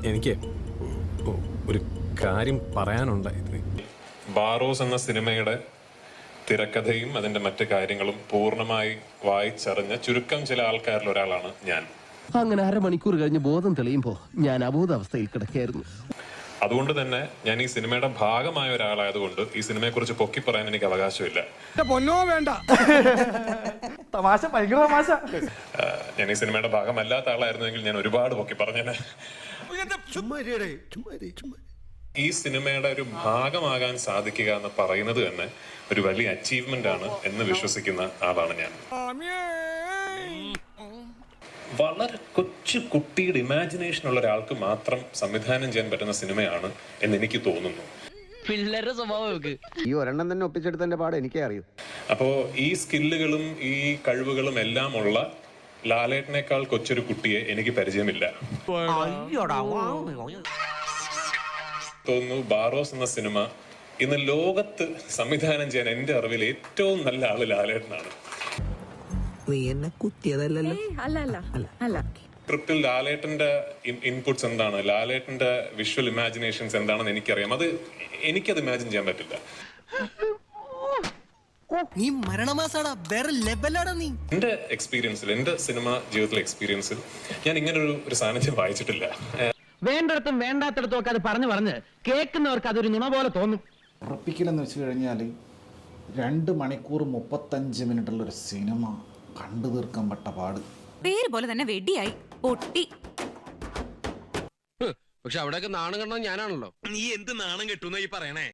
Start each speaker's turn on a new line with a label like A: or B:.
A: എനിക്ക് ഒരു കാര്യം പറയാനുണ്ടായിരുന്നു. ബാറോസ് എന്ന സിനിമയുടെ തിരക്കഥയും അതിന്റെ മറ്റു കാര്യങ്ങളും പൂർണ്ണമായി വായിച്ചറിഞ്ഞ ചുരുക്കം ചില ആൾക്കാരിൽ ഒരാളാണ് ഞാൻ.
B: അങ്ങനെ അരമണിക്കൂർ കഴിഞ്ഞ് ബോധം തെളിയുമ്പോ ഞാൻ അബോധാവസ്ഥയിൽ കിടക്കുകയായിരുന്നു.
A: അതുകൊണ്ട് തന്നെ ഞാൻ ഈ സിനിമയുടെ ഭാഗമായ ഒരാളായതുകൊണ്ട് ഈ സിനിമയെ കുറിച്ച് പൊക്കി പറയാൻ എനിക്ക് അവകാശമില്ല. ഞാൻ ഈ സിനിമയുടെ ഭാഗമല്ലാത്ത ആളായിരുന്നെങ്കിൽ ഞാൻ ഒരുപാട് പൊക്കി പറഞ്ഞേനെ. ഈ സിനിമയുടെ ഒരു ഭാഗമാകാൻ സാധിക്കുക എന്ന് പറയുന്നത് തന്നെ ഒരു വലിയ അച്ചീവ്മെന്റ് ആണ് എന്ന് വിശ്വസിക്കുന്ന ആളാണ് ഞാൻ. വളരെ കൊച്ചു കുട്ടിയുടെ ഇമാജിനേഷൻ ഉള്ള ഒരാൾക്ക് മാത്രം സംവിധാനം ചെയ്യാൻ പറ്റുന്ന സിനിമയാണ് എന്ന് എനിക്ക് തോന്നുന്നു.
C: ഈ ഒരെണ്ണം തന്നെ ഒപ്പിച്ചെടുത്തതിന്റെ പാട് എനിക്കേ അറിയൂ.
A: അപ്പോ ഈ സ്കില്ലുകളും ഈ കഴിവുകളും എല്ലാം ഉള്ള ലാലേട്ടനേക്കാൾ കൊച്ചൊരു കുട്ടിയെ എനിക്ക് പരിചയമില്ല. തോന്നുന്നു ബാറോസ് എന്ന സിനിമ ഇന്ന് ലോകത്ത് സംവിധാനം ചെയ്യാൻ എന്റെ അറിവിൽ ഏറ്റവും നല്ല ആള് ലാലേട്ടനാണ്. സ്ക്രിപ്റ്റിൽ ലാലേട്ടന്റെ ഇൻപുട്സ് എന്താണ്, ലാലേട്ടന്റെ വിഷ്വൽ ഇമാജിനേഷൻസ് എന്താണെന്ന് എനിക്കറിയാം. എനിക്കത് ഇമാജിൻ ചെയ്യാൻ പറ്റില്ല. എന്റെ എക്സ്പീരിയൻസിൽ, എന്റെ സിനിമ ജീവിതത്തിലെ എക്സ്പീരിയൻസിൽ ഞാൻ ഇങ്ങനെ ഒരു സാന്നിധ്യം വായിച്ചിട്ടില്ല.
B: വേണ്ടിടത്തും വേണ്ടാത്തിടത്തും ഒക്കെ അത് പറഞ്ഞ് കേൾക്കുന്നവർക്ക് അതൊരു നുണ പോലെ തോന്നും.
D: ഉറപ്പിക്കലെന്ന് വെച്ച് കഴിഞ്ഞാൽ 2 മണിക്കൂർ 35 മിനിറ്റുള്ളൊരു സിനിമ കണ്ടു തീർക്കാൻ പെട്ട പാട്.
E: പേര് പോലെ തന്നെ വെടിയായി പൊട്ടി.
F: പക്ഷെ അവിടെയൊക്കെ നാണം കണ്ടത് ഞാനാണല്ലോ. നീ എന്ത് നാണം കെട്ടുന്ന ഈ പറയണേ?